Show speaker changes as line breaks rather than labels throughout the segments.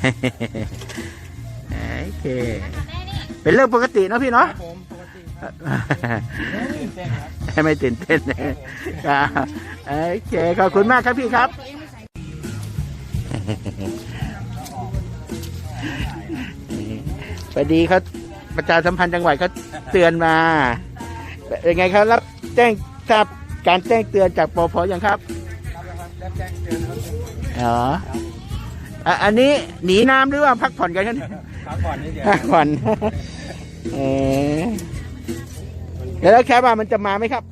โอเคเป็นเรื่องปกติเนาะพี่เนาะ
ผมปกติ
ไม่ตื่นเต้นครับโอเคขอบคุณมากครับพี่ครับพอดีเขาประชาสัมพันธ์จังหวัดเขาเตือนมาเป็นไงครับรับแจ้งทราบการแจ้งเตือนจากปภยังครับ
รับแจ้งเตือนครับ
อ๋ออันนี้หนีน้ำหรือว่าพักผ่อนกันครับ
พักผ่อนนี่เดียว
พักผ่อนแล้วแค่ว่ามันจะมาไหมครับ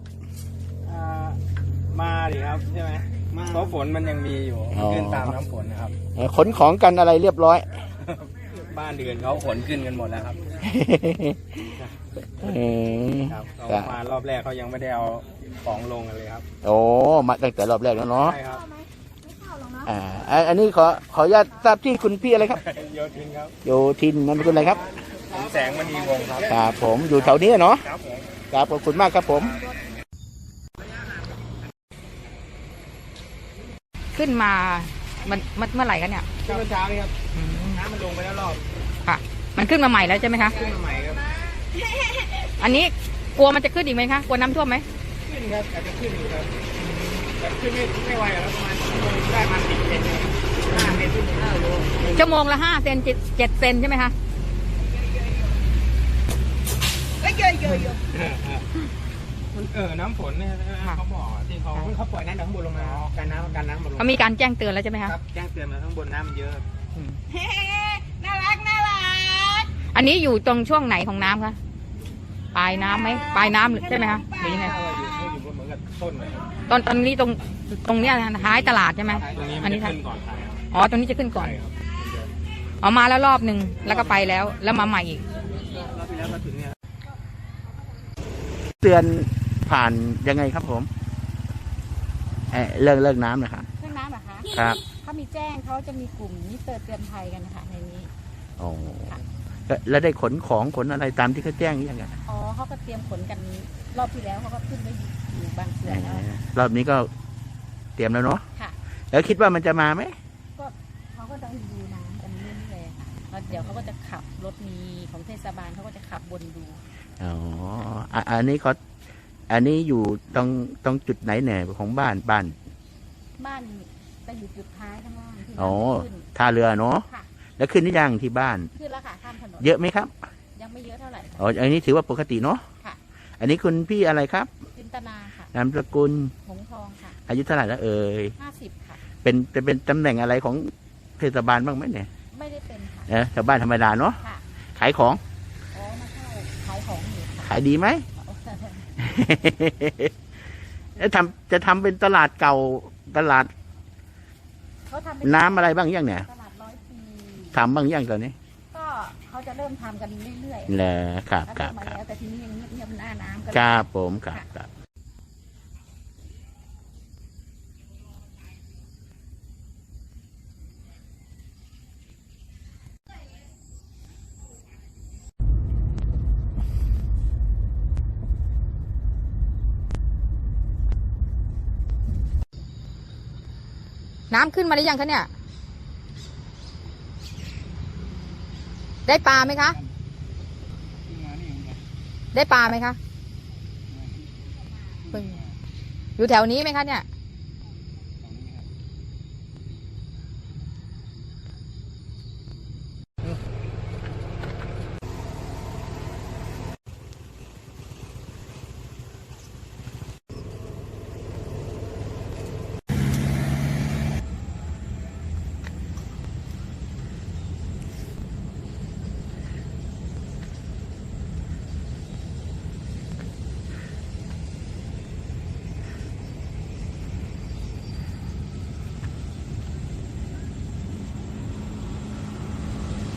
มาดิครับใช่ไหมเพราะฝนมันยังมีอยู่ขึ้นตามน้ำฝนนะครับ
ขนของกันอะไรเรียบร้อย
บ้านเดือนเขาขนขึ้นกันหมดแล้วครับครับเขามารอบแรกเขายังไม่ได้เอาของลงกันเลยครับ
โอ้มาตั้งแต่รอบแรกแล้วเนาะ
ใช่ครับ
อันนี้ขออนุญาตทราบที่คุณพี่อะไรครับ
โยทินครับ
โยทินนั่นเป็นอะไรครับ
แสงมณีวงศ์ครับ
ครับผมอยู่แถวนี้เนาะครับขอบคุณมากครับผม
ขึ้นมามันเมื่อไหร่กันเนี่ย
ขึ้นเมื่อเช้านี่ครับน้ำมันลงไปแล้วรอบ
ค่ะมันขึ้นมาใหม่แล้วใช่ไหมคะ
ขึ้นมาใหม่ครับ
อันนี้กลัวมันจะขึ้นอีกไหมคะกลัวน้ำท่วมไหม
ขึ้นครับอาจจะขึ้นอยู่ครับแต่ขึ้นไม่ไหวแล้วประมาณได้มา10 เซน5 เซนขึ้น5 โล
ชั่วโมงละ5 เซน7 เซนใช่ไหมคะ
น้ำฝนเนี่ยเขาบอกที่เขาปล่อยน้ำจากข้างบนลงมาการน้ำมาลง
เขามีการแจ้งเตือนแล้วใช่ไหมคะ
ครับแจ้งเตือนมาข้างบนน้ำมันเยอะ
น่ารักอันนี้อยู่ตรงช่วงไหนของน้ำคะปลายน้ำไหมปลายน้ำใช่ไหมคะหรือยังไง
อยู่เหมือนกับต้นเลย
ตอนนี้ตรงเนี้ยท้ายตลาดใช่ไหม
อันนี้ขึ้นก่อน
อ๋อตรงนี้จะขึ้นก่อนอ๋อมาแล้วรอบหนึ่งแล้วก็ไปแล้วมาใหม่อีก
เตือนผ่านยังไงครับผมเลิกน้ำนะครับ
เรื่องน้ำเหรอคะ
ครับ
เขามีแจ้งเขาจะมีกลุ่มมิเตอร์เตือนภัยกันนะคะในนี้
อ๋อแล้วได้ขนของขนอะไรตามที่เขาแจ้งยังไง
อ๋อเขาก็เตรียมขนกันรอบที่แล้วเขาก็ขึ้นไปอยู่บางส่วนแล้ว
รอบนี้ก็เตรียมแล้วเนาะ
ค่ะ
แล้วคิดว่ามันจะมาไหม
ก็เขาก็ต้องดูน้ำกันเรื่อยๆค่ะแล้วเดี๋ยวเขาก็จะขับรถมีของเทศบาลเขาก็จะขับบนดู
อ๋ออันนี้อยู่ตรงจุดไหนแหน่ของบ้าน
จะอยู่จุดท้ายข้างล่างที่
อ๋อท่าเรือเนาะแล้วขึ้นหรือยังที่บ้าน
ขึ้นแล้วค่ะข้ามถนน
เยอะไหมครับ
ยังไม่เยอะเท่าไหร่
อ๋ออันนี้ถือว่าปกติเนาะ
ค่ะ
อันนี้คุณพี่อะไรครับ
จินตนาค่ะ
นามสกุล
หงทองค่ะ
อายุเท่าไหร่แล้ว
50ค่ะ
เป็นตำแหน่งอะไรของเทศบาลบ้างไหมเนี่ย
ไม่ได้เป็นค่ะ
ชาวบ้านธรรมดาเนาะขายของ
มาเข้าขายของอยู่
ขายดีไหมแล้วจะทำเป็นตลาดเก่าตลาดน้ำอะไรบ้างยังเนี่ย
ตลาด100 ปี
ทำบ้างยังตอนนี้
ก็เขาจะเริ่มทำกันเรื่อย
ๆเลยครับ
แต่ทีนี้ยังเงียบหน้าน้ำกัน
ครับผมครับ
น้ำขึ้นมาหรือยังคะเนี่ยได้ปลาไหมคะได้ปลาไหมคะอยู่แถวนี้ไหมคะเนี่ย